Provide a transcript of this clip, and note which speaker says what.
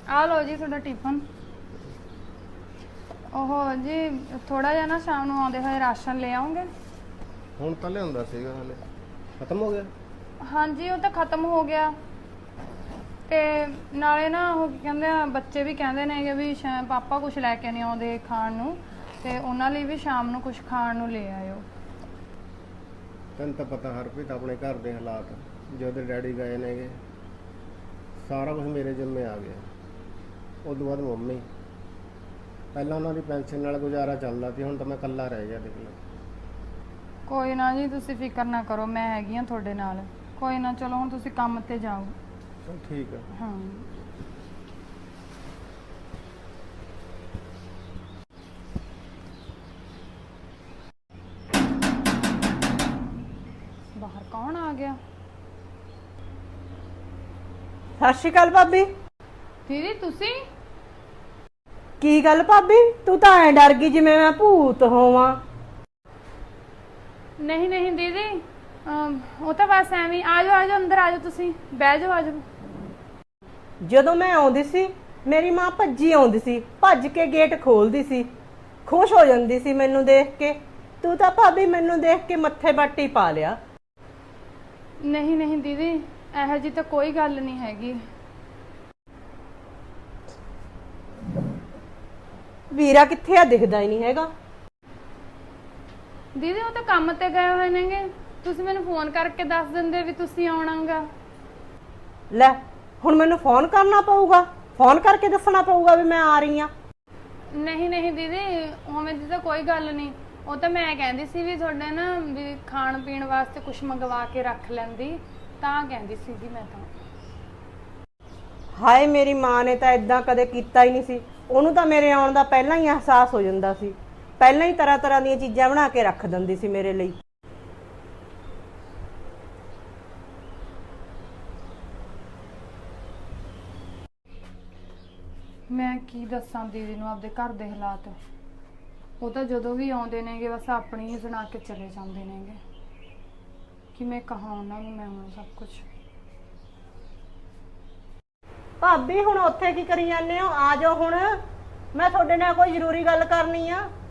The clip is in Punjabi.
Speaker 1: ਆ ਲਓ ਜੀ ਤੁਹਾਡਾ ਟਿਫਨ। ਉਹ ਜੀ ਥੋੜਾ ਜਿਹਾ ਨਾ ਸ਼ਾਮ ਨੂੰ ਆਉਂਦੇ ਹੋਏ ਰਾਸ਼ਨ ਲੈ ਆਉਂਗੇ।
Speaker 2: ਹੁਣ ਤਾਂ ਲਿਆਉਂਦਾ ਸੀਗਾ, ਹਲੇ ਖਤਮ ਹੋ ਗਿਆ।
Speaker 1: ਹਾਂਜੀ ਉਹ ਤਾਂ ਖਤਮ ਹੋ ਗਿਆ ਤੇ ਨਾਲੇ ਨਾ ਉਹ ਕੀ ਕਹਿੰਦੇ ਆ, ਬੱਚੇ ਵੀ ਕਹਿੰਦੇ ਨੇਗੇ ਵੀ ਪਾਪਾ ਕੁਝ ਲੈ ਕੇ ਨਹੀਂ ਆਉਂਦੇ ਖਾਣ ਨੂੰ, ਤੇ ਉਹਨਾਂ ਲਈ ਵੀ ਸ਼ਾਮ ਨੂੰ ਕੁਝ ਖਾਣ ਨੂੰ ਲੈ ਆਇਓ।
Speaker 2: ਤੈਨੂੰ ਤਾਂ ਪਤਾ ਹਰਪ੍ਰੀਤ ਆਪਣੇ ਘਰ ਦੇ ਹਾਲਾਤ, ਜਦੋਂ ਡੈਡੀ ਗਏ ਨੇਗੇ ਸਾਰਾ ਕੁਝ ਮੇਰੇ ਜ਼ਿੰਮੇ ਆ ਗਿਆ। ਉਸ ਤੋਂ ਬਾਅਦ ਮੰਮੀ, ਪਹਿਲਾਂ ਉਹਨਾਂ ਦੀ ਪੈਨਸ਼ਨ ਨਾਲ ਗੁਜ਼ਾਰਾ ਚੱਲਦਾ ਸੀ, ਹੁਣ ਤਾਂ ਮੈਂ ਇਕੱਲਾ ਰਹਿ ਗਿਆ। ਦੇਖ ਲਓ।
Speaker 1: ਕੋਈ ਨਾ ਜੀ ਤੁਸੀਂ ਫਿਕਰ ਨਾ ਕਰੋ, ਮੈਂ ਹੈਗੀ ਆ ਤੁਹਾਡੇ ਨਾਲ। ਕੋਈ ਨਾ, ਚਲੋ ਹੁਣ ਤੁਸੀਂ ਕੰਮ ਤੇ ਜਾਓ।
Speaker 2: ਚਲ ਠੀਕ ਹੈ।
Speaker 1: ਹਾਂ ਬਾਹਰ ਕੌਣ ਆ ਗਿਆ?
Speaker 3: ਸਤਿ ਸ਼੍ਰੀ ਅਕਾਲ ਭਾਬੀ।
Speaker 1: ਦੀਦੀ ਤੁਸੀਂ?
Speaker 3: ਕੀ ਗੱਲ ਭਾਬੀ, ਤੂੰ ਤਾਂ ਐ ਡਰ ਗਈ ਜਿਵੇਂ ਮੈਂ ਭੂਤ ਹੋਵਾਂ।
Speaker 1: ਨਹੀਂ ਨਹੀਂ ਦੀਦੀ, ਉਹ ਤਾਂ ਬਸ ਐਵੇਂ। ਆ ਜਾਓ ਅੰਦਰ ਆ ਜਾਓ, ਤੁਸੀਂ ਬਹਿ ਜਾਓ, ਆ ਜਾਓ।
Speaker 3: ਜਦੋਂ ਮੈਂ ਆਉਂਦੀ ਸੀ ਮੇਰੀ ਮਾਂ ਭੱਜੀ ਆਉਂਦੀ ਸੀ, ਭੱਜ ਕੇ ਗੇਟ ਖੋਲਦੀ ਸੀ, ਖੁਸ਼ ਹੋ ਜਾਂਦੀ ਸੀ ਮੈਨੂੰ ਦੇਖ ਕੇ। ਤੂੰ ਤਾਂ ਭਾਬੀ ਮੈਨੂੰ ਦੇਖ ਕੇ ਮੱਥੇ ਬੱਟੀ ਪਾ ਲਿਆ।
Speaker 1: ਨਹੀਂ ਨਹੀਂ ਦੀਦੀ, ਇਹੋ ਜਿਹੀ ਤਾਂ ਕੋਈ ਗੱਲ ਨਹੀਂ ਹੈਗੀ।
Speaker 3: ਵੀਰਾ ਕਿੱਥੇ ਆ? ਦਿਖਦਾ ਹੀ ਨਹੀਂ ਹੈਗਾ।
Speaker 1: ਦੀਦੀ ਉਹ ਤਾਂ ਕੰਮ ਤੇ ਗਏ ਹੋਏ ਨੇਗੇ, ਤੁਸੀਂ ਮੈਨੂੰ ਫੋਨ ਕਰਕੇ ਦੱਸ ਦਿੰਦੇ ਵੀ ਤੁਸੀਂ ਆਉਣਾਗਾ।
Speaker 3: ਲੈ ਹੁਣ ਮੈਨੂੰ ਫੋਨ ਕਰਨਾ ਪਊਗਾ, ਫੋਨ ਕਰਕੇ ਦੱਸਣਾ ਪਊਗਾ ਵੀ ਮੈਂ ਆ ਰਹੀ ਆ।
Speaker 1: ਨਹੀਂ ਨਹੀਂ ਦੀਦੀ, ਉਵੇਂ ਦੀ ਤਾਂ ਕੋਈ ਗੱਲ ਨਹੀਂ। ਉਹ ਤਾਂ ਮੈਂ ਕਹਿੰਦੀ ਸੀ ਵੀ ਤੁਹਾਡੇ ਨਾ ਵੀ ਖਾਣ ਪੀਣ ਵਾਸਤੇ ਕੁਝ ਮੰਗਵਾ ਕੇ ਰੱਖ ਲੈਂਦੀ, ਤਾਂ ਕਹਿੰਦੀ ਸੀਗੀ ਮੈਂ ਤਾਂ।
Speaker 3: ਹਾਏ ਮੇਰੀ ਮਾਂ ਨੇ ਤਾਂ ਇਦਾਂ ਕਦੇ ਕੀਤਾ ਹੀ ਨਹੀਂ ਸੀ। ਉਹਨੂੰ ਤਾਂ ਮੇਰੇ ਆਉਣ ਦਾ ਪਹਿਲਾਂ ਹੀ ਅਹਿਸਾਸ ਹੋ ਜਾਂਦਾ ਸੀ, ਪਹਿਲਾਂ ਹੀ ਤਰ੍ਹਾਂ ਤਰ੍ਹਾਂ ਦੀਆਂ ਚੀਜ਼ਾਂ ਬਣਾ ਕੇ ਰੱਖ ਦਿੰਦੀ ਸੀ ਮੇਰੇ ਲਈ।
Speaker 1: ਮੈਂ ਕੀ ਦੱਸਾਂ ਦੀਦੀ ਨੂੰ ਆਪਦੇ ਘਰ ਦੇ ਹਾਲਾਤ। ਉਹ ਤਾਂ ਜਦੋਂ ਵੀ ਆਉਂਦੇ ਨੇਗੇ ਬਸ ਆਪਣੀ ਹੀ ਸੁਣਾ ਕੇ ਚਲੇ ਜਾਂਦੇ ਨੇਗੇ। ਕਿਵੇਂ ਕਹਾਂ ਉਹਨਾਂ ਨੂੰ ਮੈਂ ਹੁਣ ਸਭ ਕੁਝ।
Speaker 3: ਭਾਬੀ ਹੁਣ ਉੱਥੇ ਕੀ ਕਰੀ ਜਾਂਦੇ ਹੋ? ਆ ਜਾਓ ਹੁਣ, ਮੈਂ ਤੁਹਾਡੇ ਨਾਲ ਕੋਈ ਜ਼ਰੂਰੀ ਗੱਲ ਕਰਨੀ ਆ।